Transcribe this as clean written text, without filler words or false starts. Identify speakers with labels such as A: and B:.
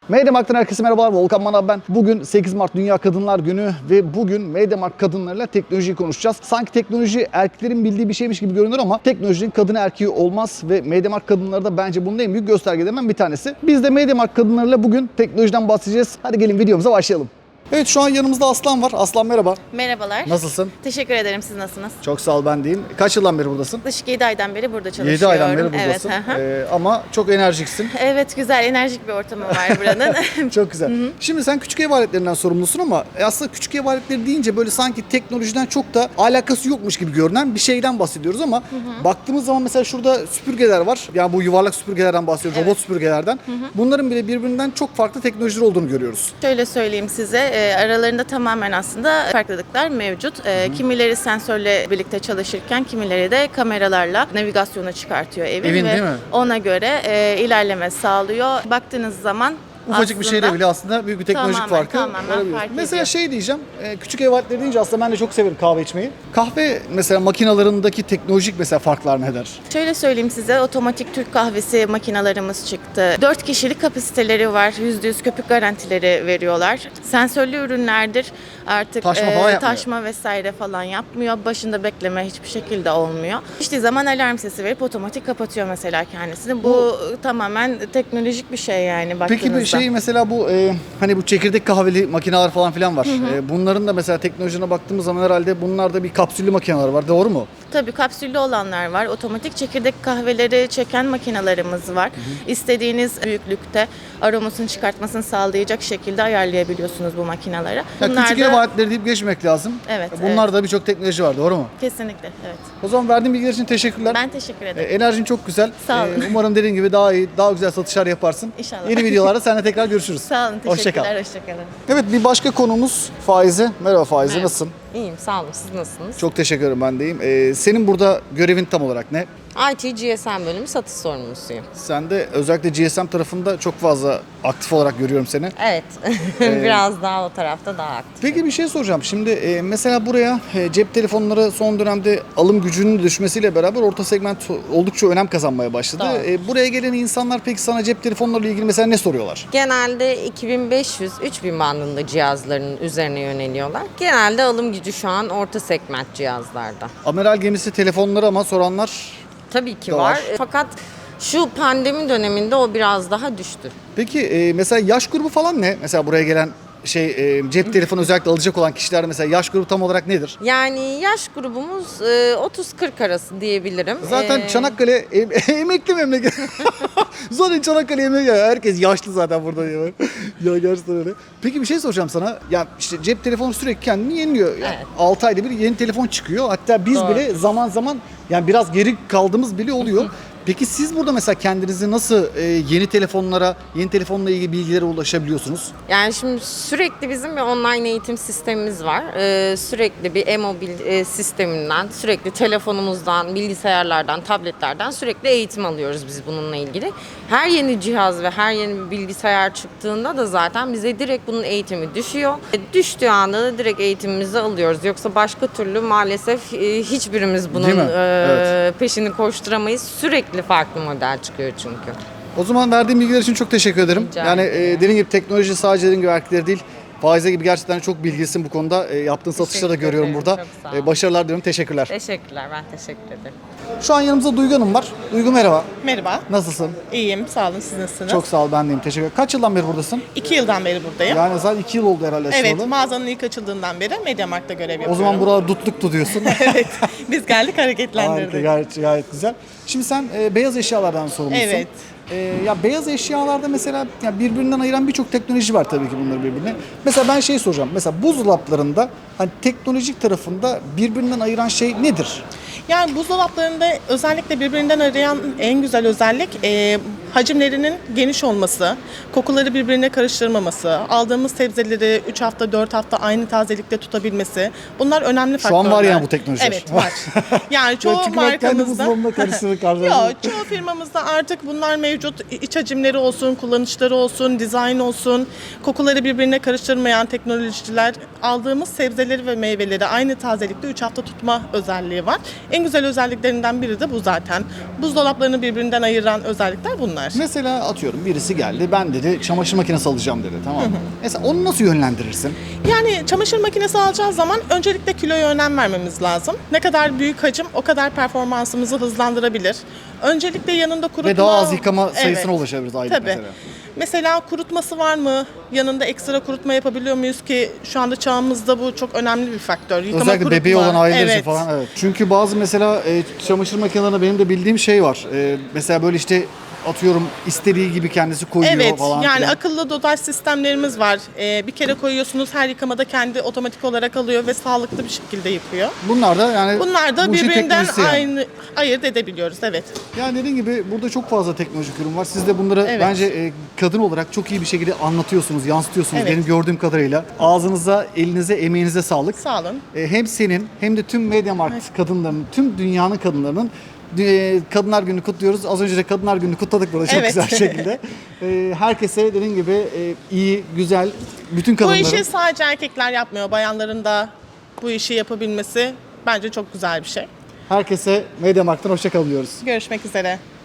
A: MediaMarkt'tan herkese merhabalar. Volkan Manav ben. Bugün 8 Mart Dünya Kadınlar Günü ve bugün MediaMarkt kadınlarıyla teknolojiyi konuşacağız. Sanki teknoloji erkeklerin bildiği bir şeymiş gibi görünür ama teknolojinin kadını erkeği olmaz ve MediaMarkt kadınları da bence bunun en büyük göstergelerinden bir tanesi. Biz de MediaMarkt kadınlarıyla bugün teknolojiden bahsedeceğiz. Hadi gelin videomuza başlayalım. Evet, şu an yanımızda Aslan var. Aslan merhaba.
B: Merhabalar.
A: Nasılsın?
B: Teşekkür ederim. Siz nasılsınız?
A: Çok sağ ol, ben deyim. Kaç yıldan beri buradasın?
B: Yaklaşık 7 aydan beri burada çalışıyorum.
A: 7 aydan beri buradasın.
B: Evet,
A: Ama çok enerjiksin.
B: evet, güzel, enerjik bir ortamı var buranın.
A: Çok güzel. Şimdi sen küçük ev aletlerinden sorumlusun ama aslında küçük ev aletleri deyince böyle sanki teknolojiden çok da alakası yokmuş gibi görünen bir şeyden bahsediyoruz ama baktığımız zaman mesela şurada süpürgeler var. Yani bu yuvarlak süpürgelerden bahsediyoruz, robot süpürgelerden. Bunların bile birbirinden çok farklı teknolojiler olduğunu görüyoruz.
B: Şöyle söyleyeyim size, aralarında tamamen aslında farklılıklar mevcut. Kimileri sensörle birlikte çalışırken kimileri de kameralarla navigasyonu çıkartıyor evin
A: Evin,
B: ve
A: değil mi?
B: ona göre ilerleme sağlıyor. Baktığınız zaman
A: Ufacık bir şeyle bile aslında büyük bir teknolojik farkı
B: tamamen
A: görebiliyoruz.
B: fark
A: Mesela
B: ediyor.
A: şey diyeceğim, küçük ev aletleri deyince aslında ben de çok severim kahve içmeyi. Kahve mesela makinalarındaki teknolojik mesela farklar neler?
B: Şöyle söyleyeyim size, otomatik Türk kahvesi makinalarımız çıktı. 4 kişilik kapasiteleri var. %100 köpük garantileri veriyorlar. Sensörlü ürünlerdir. Artık
A: Taşma falan yapmıyor.
B: taşma vesaire falan yapmıyor. Başında bekleme hiçbir şekilde olmuyor. İşte zaman alarm sesi verip otomatik kapatıyor mesela kendisini. Bu tamamen teknolojik bir şey yani baktığınızda.
A: Peki bir şey mesela bu hani bu çekirdek kahveli makineler falan filan var. Bunların da mesela teknolojisine baktığımız zaman herhalde bunlarda bir kapsüllü makineler var. Doğru mu?
B: Tabii kapsüllü olanlar var. Otomatik çekirdek kahveleri çeken makinalarımız var. İstediğiniz büyüklükte aromasını çıkartmasını sağlayacak şekilde ayarlayabiliyorsunuz bu makinaları.
A: Ya küçük ev aletleri deyip geçmek lazım.
B: Evet,
A: Bunlarda birçok teknoloji var. Doğru mu?
B: Kesinlikle, evet.
A: O zaman verdiğin bilgiler için teşekkürler.
B: Ben teşekkür ederim.
A: Enerjin çok güzel.
B: Sağ olun.
A: Umarım dediğin gibi daha iyi, daha güzel satışlar yaparsın.
B: İnşallah.
A: Yeni videolarda seninle tekrar görüşürüz.
B: Sağ olun,
A: Hoşça kal.
B: teşekkürler, hoşçakalın.
A: Evet, bir başka konumuz Faize. Merhaba Faize,
C: Merhaba.
A: nasılsın?
C: İyiyim, sağ olun. Siz nasılsınız?
A: Çok teşekkür ederim, ben deyim. Senin burada görevin tam olarak ne?
C: IT GSM bölümü satış sorumlusuyum.
A: Sen de özellikle GSM tarafında çok fazla aktif olarak görüyorum seni.
C: Evet, biraz daha o tarafta daha aktif.
A: Peki bir şey soracağım. Şimdi mesela buraya cep telefonları son dönemde alım gücünün düşmesiyle beraber orta segment oldukça önem kazanmaya başladı.
C: Doğru.
A: Buraya gelen insanlar peki sana cep telefonlarıyla ilgili mesela ne soruyorlar?
C: Genelde 2500-3000 bandında cihazların üzerine yöneliyorlar. Genelde alım gücü şu an orta segment cihazlarda.
A: Amiral gemisi telefonları ama soranlar
C: Tabii ki
A: Doğru.
C: var. Fakat şu pandemi döneminde o biraz daha düştü.
A: Peki mesela yaş grubu falan ne? Mesela buraya gelen cep telefonu özellikle alacak olan kişiler mesela yaş grubu tam olarak nedir?
C: Yani yaş grubumuz 30-40 arası diyebilirim.
A: Zaten Çanakkale emekli memleket. Zaten Çanakkale emekli. Herkes yaşlı zaten burada diyor. Ya gerçekten öyle. Peki bir şey soracağım sana. Ya işte cep telefonu sürekli kendini yeniliyor. Yani
C: Evet.
A: 6 ayda bir yeni telefon çıkıyor. Hatta biz
C: Doğru.
A: bile zaman zaman yani biraz geri kaldığımız bile oluyor. Peki siz burada mesela kendinizi nasıl yeni telefonla ilgili bilgilere ulaşabiliyorsunuz?
C: Yani şimdi sürekli bizim bir online eğitim sistemimiz var. Sürekli bir e-mobil sisteminden, sürekli telefonumuzdan, bilgisayarlardan, tabletlerden sürekli eğitim alıyoruz biz bununla ilgili. Her yeni cihaz ve her yeni bir bilgisayar çıktığında da zaten bize direkt bunun eğitimi düşüyor. Düştüğü anda da direkt eğitimimizi alıyoruz. Yoksa başka türlü maalesef hiçbirimiz bunun
A: Değil mi? Evet.
C: peşini koşturamayız. Sürekli farklı model çıkıyor çünkü.
A: O zaman verdiğim bilgiler için çok teşekkür ederim.
C: Rica
A: Yani
C: ederim.
A: dediğim gibi teknoloji sadece dediğim gibi erkekler değil. Faize gibi gerçekten çok bilgilisin bu konuda. Yaptığın satışları da
C: Teşekkür
A: görüyorum
C: ederim,
A: burada.
C: çok sağ olun.
A: Başarılar diliyorum. Teşekkürler.
C: Teşekkürler, ben teşekkür ederim.
A: Şu an yanımızda Duygu Hanım var. Duygu merhaba.
D: Merhaba,
A: Nasılsın?
D: iyiyim. Sağ olun. Siz nasılsınız?
A: Çok sağ ol, ben deyim. Teşekkür ederim. Kaç yıldan beri buradasın?
D: 2 yıldan beri buradayım.
A: Yani zaten 2 yıl oldu herhalde
D: Evet,
A: açılalı.
D: mağazanın ilk açıldığından beri MediaMarkt'ta görev
A: O
D: yapıyorum.
A: zaman buralar dutluk tutuyorsun.
D: Evet, biz geldik
A: Harika,
D: hareketlendirdik.
A: gayet güzel. Şimdi sen beyaz eşyalardan sorumlusun.
D: Evet.
A: Ya beyaz eşyalarda mesela ya birbirinden ayıran birçok teknoloji var tabii ki bunları birbirine. Mesela ben şey soracağım. Mesela buzdolaplarında hani teknolojik tarafında birbirinden ayıran şey nedir?
D: Yani buzdolaplarında özellikle birbirinden arayan en güzel özellik hacimlerinin geniş olması, kokuları birbirine karıştırmaması, aldığımız sebzeleri 3 hafta 4 hafta aynı tazelikte tutabilmesi. Bunlar önemli
A: Şu
D: faktörler.
A: an var yani bu teknolojiler.
D: Evet, var. Yani çoğu
A: Çünkü ben kendi
D: markamızda
A: buzdolabımda karıştırır
D: Yok, çoğu firmamızda artık bunlar mevcut. İç hacimleri olsun, kullanışları olsun, dizayn olsun, kokuları birbirine karıştırmayan teknolojiler, aldığımız sebzeleri ve meyveleri aynı tazelikte 3 hafta tutma özelliği var. En güzel özelliklerinden biri de bu zaten. Buzdolaplarını birbirinden ayıran özellikler bunlar.
A: Mesela atıyorum birisi geldi, ben dedi çamaşır makinesi alacağım dedi, tamam mı? Mesela onu nasıl yönlendirirsin?
D: Yani çamaşır makinesi alacağız zaman öncelikle kiloya önem vermemiz lazım. Ne kadar büyük hacim o kadar performansımızı hızlandırabilir. Öncelikle yanında kurutma...
A: Ve daha az yıkama sayısına
D: Evet.
A: ulaşabiliriz aylık
D: Tabii.
A: mesela.
D: Mesela kurutması var mı? Yanında ekstra kurutma yapabiliyor muyuz ki şu anda çağımızda bu çok önemli bir faktör. Yıkama,
A: Özellikle
D: kurutma.
A: bebeği olan aileler için
D: Evet.
A: falan, evet. Çünkü bazı mesela çamaşır makinelerinde benim de bildiğim şey var. Mesela böyle işte atıyorum istediği gibi kendisi koyuyor
D: Evet,
A: falan
D: yani
A: filan.
D: akıllı dozaj sistemlerimiz var. Bir kere koyuyorsunuz, her yıkamada kendi otomatik olarak alıyor ve sağlıklı bir şekilde yıkıyor.
A: Bunlar da yani
D: Bunlar da
A: bu işin
D: birbirinden
A: teknolojisi yani.
D: aynı ayırt edebiliyoruz, evet.
A: Yani dediğim gibi burada çok fazla teknolojik ürün var. Siz de bunları
D: Evet.
A: bence kadın olarak çok iyi bir şekilde anlatıyorsunuz, yansıtıyorsunuz.
D: Evet.
A: Benim gördüğüm kadarıyla. Ağzınıza, elinize, emeğinize sağlık.
D: Sağ olun.
A: Hem senin hem de tüm MediaMarkt kadınlarının, tüm dünyanın kadınlarının Kadınlar Günü'nü kutluyoruz. Az önce de Kadınlar Günü'nü kutladık burada çok
D: Evet.
A: güzel bir şekilde. Herkese dediğim gibi iyi, güzel, bütün
D: Bu
A: kadınların...
D: işi sadece erkekler yapmıyor. Bayanların da bu işi yapabilmesi bence çok güzel bir şey.
A: Herkese MediaMarkt'tan hoşça kalın diyoruz.
D: Görüşmek üzere.